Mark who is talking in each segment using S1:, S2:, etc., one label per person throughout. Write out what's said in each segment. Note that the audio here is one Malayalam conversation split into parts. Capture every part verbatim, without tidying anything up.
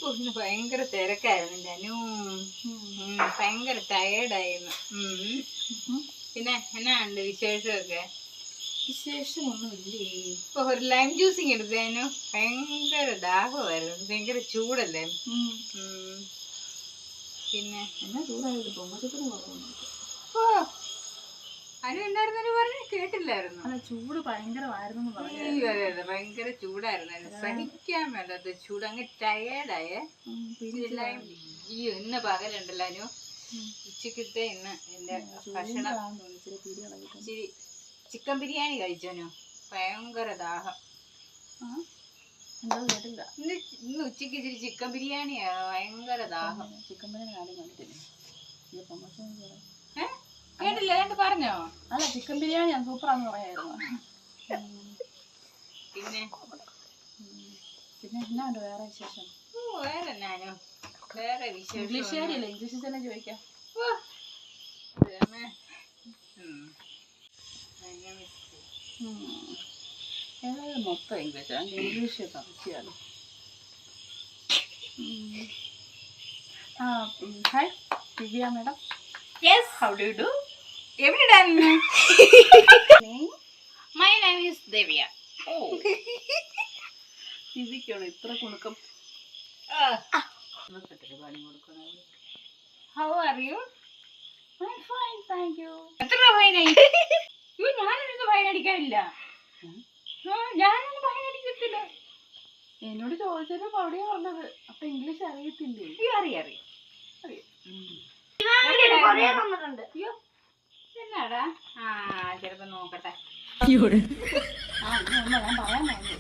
S1: ഇന്ന് ഭയങ്കര തിരക്കായിരുന്നു അനു. ഭയങ്കര ടയേർഡായിരുന്നു. പിന്നെ എന്നാ ഉണ്ട് വിശേഷമൊക്കെ?
S2: വിശേഷമൊന്നുമില്ലേ.
S1: ഇപ്പൊ ഒരു ലൈം ജ്യൂസിങ് എടുത്തേനു. ഭയങ്കര ദാഹമായിരുന്നു. ഭയങ്കര ചൂടല്ലേ. പിന്നെ
S2: എന്നാ ചൂടായത് പൊങ്ങച്ചത്തിന് കുറവുണ്ട്.
S1: ഓ അനു എന്തായിരുന്നു പറഞ്ഞു കേട്ടില്ലായിരുന്നു.
S2: അല്ല ചൂട് ഭയങ്കരമായിരുന്നു പറഞ്ഞു.
S1: അതെ അതെ ഭയങ്കര ചൂടായിരുന്നു. സഹിക്കാൻ വേണ്ടത് ചൂട്. അങ്ങ് ടയേർഡായേ. ഈ ഇന്ന് പകലുണ്ടല്ലോ അനു. ഉച്ചക്കിട്ട് ഇന്ന് എന്റെ ഭക്ഷണം ഇച്ചിരി ചിക്കൻ ബിരിയാണി കഴിച്ചോനു. ഭയങ്കര ദാഹം.
S2: എന്താ കേട്ടില്ല.
S1: ഇന്ന് ഇന്ന് ഉച്ചക്ക് ഇച്ചിരി ചിക്കൻ ബിരിയാണിയാ. ഭയങ്കര ദാഹം.
S2: ചിക്കൻ ബിരിയാണി ആദ്യം കണ്ടിട്ടില്ലേ?
S1: ഏഹ് കേട്ടില്ല എന്നിട്ട് പറഞ്ഞോ?
S2: അല്ല ചിക്കൻ ബിരിയാണി സൂപ്പറാന്ന് പറയായിരുന്നു.
S1: പിന്നെ
S2: പിന്നെ എന്നാ ഉണ്ട് വേറെ വിശേഷം?
S1: ഓ വേറെ എന്നാനോ വേറെ വിശേഷം.
S2: ഇംഗ്ലീഷുകാരിയല്ലേ, ഇംഗ്ലീഷിൽ തന്നെ ചോദിക്കാം. ഏതായാലും മൊത്തം ഇംഗ്ലീഷ്. ഇംഗ്ലീഷ് സംശയമാണ്. ആ hi Divya madam.
S1: Yes, how do you do? എവിടെയാണ്? My name is Divya.
S2: ഓ ദിവ്യക്കാണ് ഇത്ര കുണുക്കം.
S1: പണി കൊടുക്കണം. How are you?
S2: I am fine thank you.
S1: എത്ര ഫൈനായി? ഞാനൊന്നും ഫൈൻ അടിക്കാനില്ല. ഞാനൊന്നും ഫൈൻ അടിക്കത്തില്ല.
S2: എന്നോട് ചോദിച്ചത് അവിടെയാ പറഞ്ഞത്. അപ്പൊ ഇംഗ്ലീഷ് അറിയത്തില്ലേ?
S1: അറിയാം അറിയാം അറിയാം. എന്നാടാ? ആ ചിലപ്പോ നോക്കട്ടെ.
S2: ആ ഞാൻ പറയാൻ പറഞ്ഞു.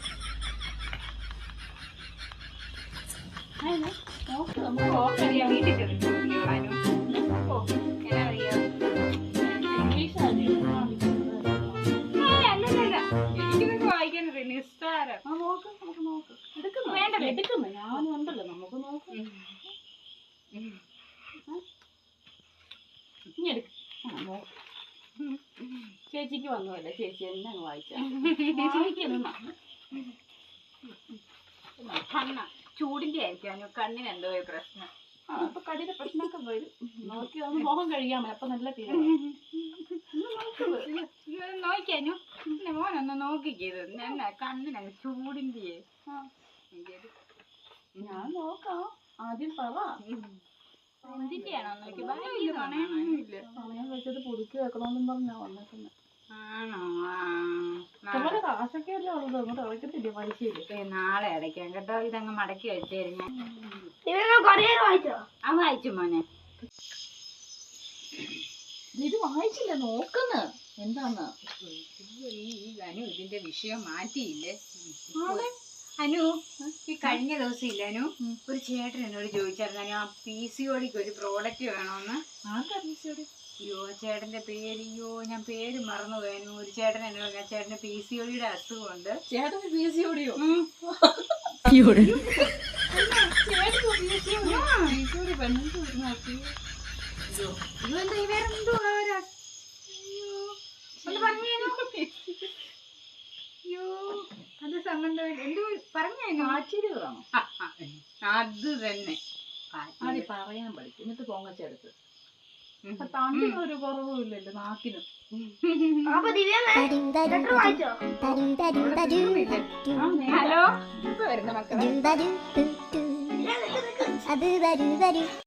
S2: നോക്ക് നമുക്ക്
S1: നോക്കറിയാം. വീട്ടിൽ ചെറിയ അറിയാം.
S2: ഇംഗ്ലീഷ് അറിയാം.
S1: അല്ലല്ല എനിക്കിതൊക്കെ വായിക്കാനത് നിസ്സാരം.
S2: ആ നോക്ക് നമുക്ക് നോക്ക്. എടുക്കുന്നു
S1: വേണ്ട
S2: എടുക്കുന്നു. ഞാനും ഉണ്ടല്ലോ നമുക്ക് നോക്ക്. ഇനി എടുക്ക. ആ നോക്ക്. ചേച്ചിക്ക് വന്നതല്ലേ, ചേച്ചി എന്നെ അങ്ങ് വായിച്ചാ വായിക്കുന്നു.
S1: കണ്ണ ചൂടിന്റെ ആയിരിക്കും. കണ്ണിന് എന്തോ ഒരു പ്രശ്നം.
S2: ആ അപ്പൊ കണ്ണിന്റെ പ്രശ്നമൊക്കെ വരും. നോക്കി ഒന്ന് മോഹം കഴിയാമോ? അപ്പൊ നല്ല തീരെ
S1: നോക്കിയാനു മോനൊന്ന് നോക്കിക്കത്. എന്നാ കണ്ണിനങ്ങ് ചൂടിന്റെ.
S2: ഞാൻ നോക്കാം. ആദ്യം പറ
S1: എന്തിന്റെയാണോ നോക്കി?
S2: പണയം വെച്ചത് പുതുക്കി വെക്കണമെന്നും പറഞ്ഞാ വന്നേക്കുന്നത്.
S1: ആണോ?
S2: ഇതുപോലെ കാശൊക്കെ അല്ലേ ഉള്ളത്. അങ്ങോട്ട് അടയ്ക്കത്തില്ലേ പലിശയില്?
S1: നാളെ അടയ്ക്കാം കേട്ടോ. ഇതങ്ങ് മടക്കി വെച്ചേരും. ആ വായിച്ചു മോനെ.
S2: ഇത് വായിച്ചില്ല നോക്കുന്നു എന്താന്ന്.
S1: അനു ഇതിന്റെ വിഷയം മാറ്റിയില്ലേ? അനു ഈ കഴിഞ്ഞ ദിവസം ഇല്ല അനു ഒരു ചേട്ടൻ എന്നോട് ചോദിച്ചായിരുന്നു അനു ആ പി സി ഓടിക്ക് ഒരു പ്രോഡക്റ്റ് വേണോന്ന്.
S2: ആർക്കാ പി സി ഓടി?
S1: അയ്യോ ചേട്ടന്റെ പേര് അയ്യോ ഞാൻ പേര് മറന്നു പോയു. ഒരു ചേട്ടൻ എന്നോട് പറഞ്ഞ ചേട്ടന് പി സി ഓടിയുടെ അസുഖമുണ്ട്.
S2: ചേട്ടന് പി സി ഓടിയോ?
S1: അത് സംബന്ധം എന്തോ പറഞ്ഞു.
S2: ആശ്ചര്യമാണോ?
S1: അത് തന്നെ
S2: അത് പറയാൻ പഠിക്കും. എന്നിട്ട് പൊങ്ങച്ചെടുത്ത് തണ്ടിനൊരു കുറവും ഇല്ലല്ലോ നാക്കിനും.
S1: ഹലോ വരുന്ന മക്കളെ.